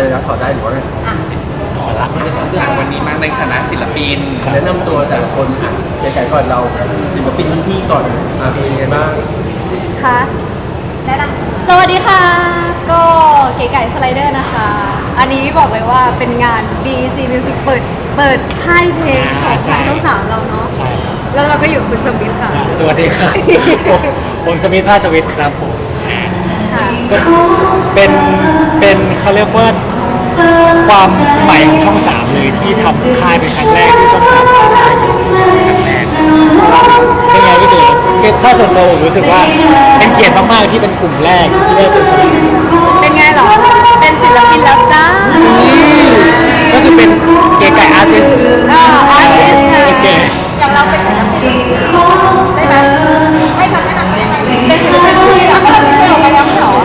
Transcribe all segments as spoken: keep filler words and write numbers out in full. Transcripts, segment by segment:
อะไรนะถอดได้หรือว่าไงขอละมันจะขอเสื้อวันนี้มาในฐานะศิลปินแนะนำตัวแต่ละคนอ่ะใหญ่ๆก่อนเราศิลปินรุ่นพี่ก่อนอ่ะเป็นยังไงบ้างค่ะแนะนำสวัสดีค่ะ ก็เก๋ไก่สไลเดอร์นะคะ อันนี้บอกเลยว่าเป็นงาน บี อี ซี Music เปิดเปิดค่ายเพลงของทางช่องสามเราเนาะใช่ครับแล้วเราก็อยู่กับคุณสมิธค่ะสวัสดีครับผมผมสมิธภาสวิทย์ครับผมค่ะก็เป็นเป็นเขาเรียกว่าความใหม่ของช่องสามเลยที่ทำค่ายเป็นครั้งแรกที่ช่องสามทำค่ายเป็นครั้งแรกเป็นไงพี่เต๋อคือถ้าส่วนตัวผมรู้สึกว่าเป็นเกียรติมากๆที่เป็นกลุ่มแรกที่ได้เป็นสมิธเป็นไงเหรอ เป็นศิลปินแล้วจ้าก็คือเป็นเก๋ไก่อาร์ติสต์อ่าอาร์ติสต์ค่ะโอเคอย่างเราเป็นศิลปินใช่ไหมให้คำแนะนำได้ไหมเป็นศิลปินที่เราไม่ได้ออกไปแล้วเหรอ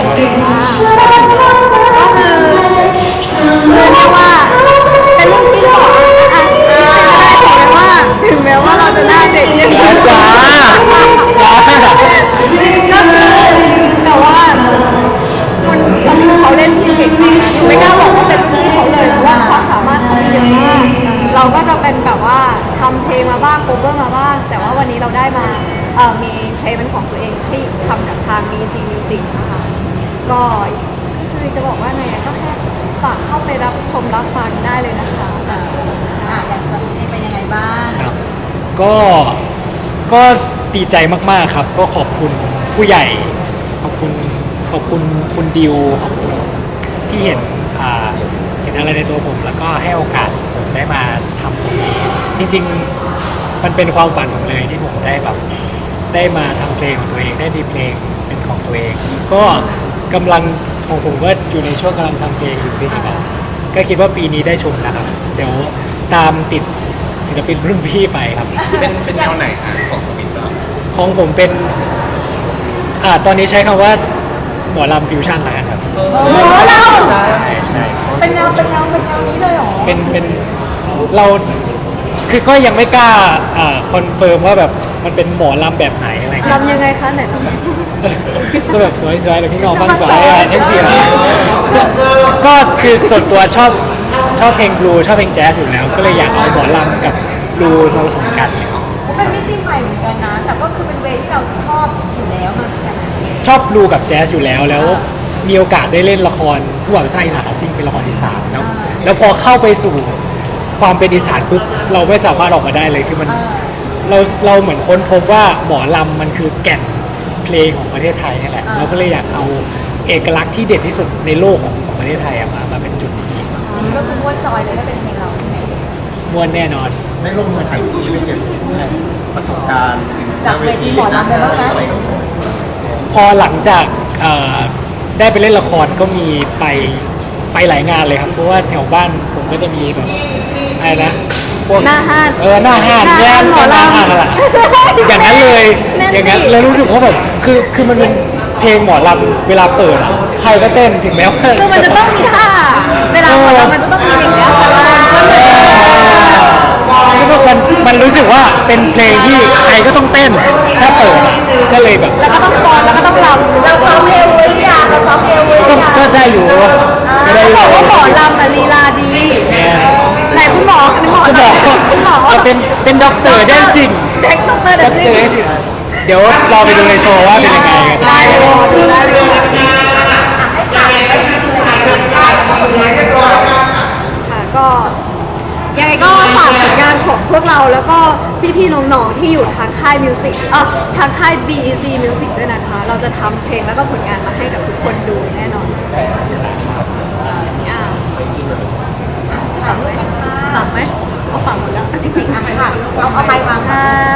ก็คือเรียกว่าเป็นรุ่นพี่ก่อนอ่ะถึงแม้ว่าถึงแม้ว่าเราจะหน้าเด็กยังไงจ้าจ้าก็คือแต่ว่าคุณสมิธเขาเล่นที่เก่งมากไม่กล้าบอกว่าเป็นรุ่นพี่เขาเลยเพราะว่าความสามารถเขาเยอะมากเราก็จะเป็นแบบว่าทำเพลงมาบ้างโคเวอร์มาบ้างแต่ว่าวันนี้เราได้มาเอ่อมีเพลงเป็นของตัวเองที่ทำกับทาง บี อี ซี Music นะคะก็คือจะบอกว่าไงอะก็แค่ฝากเข้าไปรับชมรับฟังได้เลยนะคะอ่าอย่างสมิธเป็นยังไงบ้างครับก็ก็ดีใจมากๆครับ ก็ขอบคุณผู้ใหญ่ ขอบคุณขอบคุณคุณดิวขอบคุณที่เห็นอ่าเห็นอะไรในตัวผม แล้วก็ให้โอกาสผมได้มาทำตรงนี้จริงๆมันเป็นความฝันผมเลยที่ผมได้แบบได้มาทำเพลงของตัวเองได้มีเพลงเป็นของตัวเอง ก็กำลังของผมก็อยู่ในช่วงกำลังทำเพลงอยู่พี่นะครับก็คิดว่าปีนี้ได้ชมนะครับ เดี๋ยวตามติดศิลปินรุ่นพี่ไปครับเป็นเป็นแนวไหนฮะของสมิธเหรอของผมเป็นอ่าตอนนี้ใช้คำว่าหมอลำฟิวชั่นแล้วกันครับหมอลำใช่ใช่เป็นแนวเป็นแนวเป็นแนวนี้เลยเหรอเป็นเป็นเราคือก็ยังไม่กล้าอ่าคอนเฟิร์มว่าแบบมันเป็นหมอลำแบบไหนอะไรเงี้ยลำยังไงคะไหนลำก็แบบสวยๆเลยพี่น้องฟังสวยอ่ะแท็กซี่นะก็คือส่วนตัวชอบชอบเพลงบลูชอบเพลงแจ๊สอยู่แล้ว ก็เลยอยากเอาหมอลำกับบลูมาผสมกันเป็นมิติใหม่เหมือนกันนะ แต่ก็คือเป็นเวย์ที่เราชอบอยู่แล้วมาเหมือนกันนะชอบบลูกับแจ๊สอยู่แล้วแล้วมีโอกาสได้เล่นละครผู้หวังไส้หลาซิ่งเป็นละครอีสานแล้วแล้วพอเข้าไปสู่ความเป็นอีสานปุ๊บเราไม่สามารถออกมาได้เลยคือมันเราเราเหมือนค้นพบว่าหมอลำมันคือแก่นเพลงของประเทศไทยนี่แหละเราก็เลยอยากเอาเอกลักษณ์ที่เด่นที่สุดในโลกของของประเทศไทยอะมามาเป็นจุดนี้ก็คือม้วนจอยเลยถ้าเป็นเพลงเราใช่ไหมมวนแน่นอนได้ลงมือถ่ายที่ไม่เก็บประสบการณ์จากเวทีหมอลำเลยบ้างไหมอะไรอย่างเงี้ยพอหลังจากเอ่อได้ไปเล่นละครก็มีไปไปหลายงานเลยครับเพราะว่าแถวบ้านผมก็จะมีแบบอะไรนะพวกหน้าห้านเออหน้าห้านหน้าห้านหมอลำหน้าห้านนั่นแหละอย่างนั้นเลยแน่นอย่างนั้นดิแล้วรู้สึกว่าแบบคือคือมันเป็นเพลงหมอลำเวลาเปิดอะใครก็เต้นถึงแม้ว่าคือมันจะต้องมีท่า เวลาหมอลำมันจะต้องมีอย่างเงี้ยแต่ว่าคือว่ามันมันรู้สึกว่าเป็นเพลงที่ใครก็ต้องเต้นถ้าเปิดอะก็เลยแบบแล้วก็ต้องฟ้อนแล้วก็ต้องรำเราซ้อมเอวไว้หรือยังเราซ้อมเอวไว้หรืก็อยังก็ได้อยู่ก็ได้เขาอยู่บอกว่าหมอลำอะลีลาดีเนี่ยไหนคุณหมอคุณหมอคุณหมอคุณหมอเอาเป็นเป็นด็อกเตอร์ได้จริงเด็กต้องเปิดด็อกสิเตอร์ได้จริงเดี๋ยวรอไปดูในโชว์ว่าเป็นยังไงกันได้เลยดูได้เลยค่ะก็ยังไงก็ฝากผลงานของพวกเราแล้วก็พี่ๆน้องๆที่อยู่ทางค่ายมิวสิกเอ่อทางค่าย บี อี ซี Music ด้วยนะคะ เราจะทำเพลงแล้วก็ผลงานมาให้กับทุกคนดูแน่นอนเนี่ยฝากไหมฝากไหมเอาฝากหมดแล้วจริงๆอ่ะค่ะเอาเอาไมค์วางค่ะ